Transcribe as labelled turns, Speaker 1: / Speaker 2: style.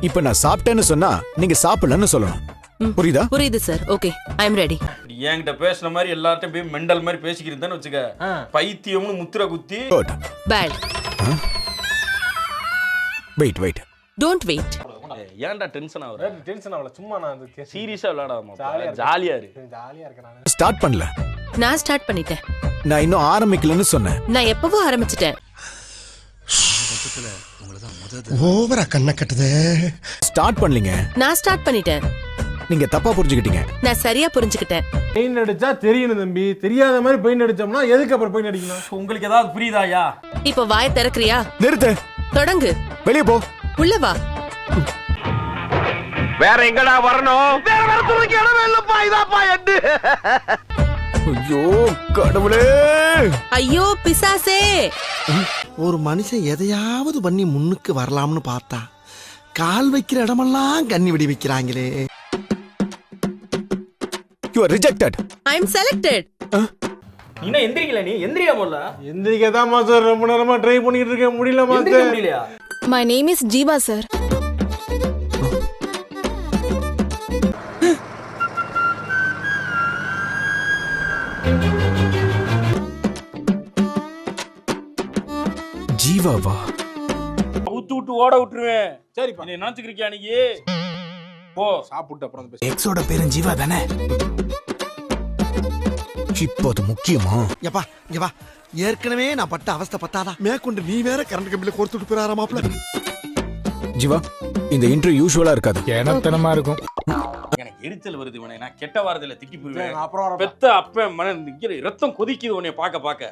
Speaker 1: இப்ப நான் சாப்பிட்டேன்னு சொன்னா நீங்க சாப்பிடலன்னு சொல்லணும். புரியுதா?
Speaker 2: புரியுது sir. Okay, I am ready.
Speaker 3: என்கிட்ட பேசுன மாதிரி எல்லார்ட்டையும் போய் மெண்டல் மாதிரி பேசிக்கிறதுன்னு வச்சுக்க, பைத்தியம்னு முத்திர குத்தி.
Speaker 1: Good.
Speaker 2: Bad.
Speaker 1: Wait.
Speaker 2: Don't wait.
Speaker 3: ஏன்டா டென்ஷன் ஆகுற?
Speaker 4: டென்ஷன் ஆகல, சும்மா நான்
Speaker 3: சீரியஸா விளையாடாம ஜாலியா இருக்கு.
Speaker 4: ஜாலியா இருக்கேன் நான்.
Speaker 1: ஸ்டார்ட் பண்ணல.
Speaker 2: நான் ஸ்டார்ட் பண்ணிட்டேன்.
Speaker 1: நான் இன்னும் ஆரம்பிக்கலன்னு சொன்னேன்.
Speaker 2: நான் எப்பவோ ஆரம்பிச்சிட்டேன்.
Speaker 5: ஓவரா கண்ண கட்டுதே.
Speaker 1: ஸ்டார்ட் பண்ணலீங்க.
Speaker 2: நான் ஸ்டார்ட் பண்ணிட்டேன்.
Speaker 1: நீங்க தப்பா புரிஞ்சுக்கிட்டீங்க.
Speaker 2: நான் சரியா புரிஞ்சுக்கிட்டேன்.
Speaker 4: பெயின் அடிச்சா தெரியணும் தம்பி. தெரியாத மாதிரி பெயின் அடிச்சோம்னா எதுக்கு அப்புறம் பெயின் அடிக்கணும்?
Speaker 3: உங்களுக்கு ஏதாவது புரியுதாயா?
Speaker 2: இப்போ வாயை திறக்கறியா?
Speaker 1: நிறுத்து.
Speaker 2: தொடங்கு.
Speaker 1: வெளியே போ.
Speaker 2: உள்ள வா.
Speaker 6: வேற எங்கடா வரணும்? வேற வரதுக்கு இடமே இல்லப்பா. இதாப்பா எட்டு.
Speaker 1: ஐயோ கடவுளே.
Speaker 2: ஐயோ பிசாசே.
Speaker 5: ஒரு மனுஷன் எதையாவது பண்ணி முன்னுக்கு வரலாம்னு பார்த்தா கால் வைக்கிற இடமெல்லாம் கண்ணி விடி வைக்கிறாங்களே.
Speaker 1: You are rejected.
Speaker 2: I am selected.
Speaker 3: நீ என்ன எந்திரிக்கல? நீ எந்திரியா போல.
Speaker 4: எந்திரிக்கதான் மாஸ்டர் ரொம்ப நேரமா ட்ரை பண்ணிட்டு இருக்கேன், முடியல மாஸ்டர்.
Speaker 3: முடியலையா?
Speaker 7: My name is Jeeva, sir.
Speaker 1: ஜீவாவா?
Speaker 3: ஊத்து விட்டு ஓட விட்டுருவேன்.
Speaker 4: சரிப்பா.
Speaker 3: நீ நினைச்சுக்கிறியா நீ? போ
Speaker 4: சாப்பிட்டு அப்புறம் பேச.
Speaker 1: எக்ஸோட பேரும் ஜீவா தானே? இப்போ அது முக்கியமா?
Speaker 5: எப்பா இங்க வா. ஏற்கனவே நான் பட்ட அவஸ்தை பத்தாதா மேற்கொண்டு நீ வேற கரண்ட் கம்பியில கோர்த்துட்டு போறாரா மாப்ள.
Speaker 1: ஜீவா, இந்த இன்டர்வியூ யூசுவலா இருக்காது.
Speaker 4: ஏனத்தனமா இருக்கும்.
Speaker 3: எனக்கு எரிச்சல் வருது. இவனை நான் கெட்ட வாரத்துல திட்டி போயிருவேன்.
Speaker 4: அப்புறம்
Speaker 3: பெத்த அப்ப மன ரத்தம் கொதிக்குது உன்னை பார்க்க பார்க்க.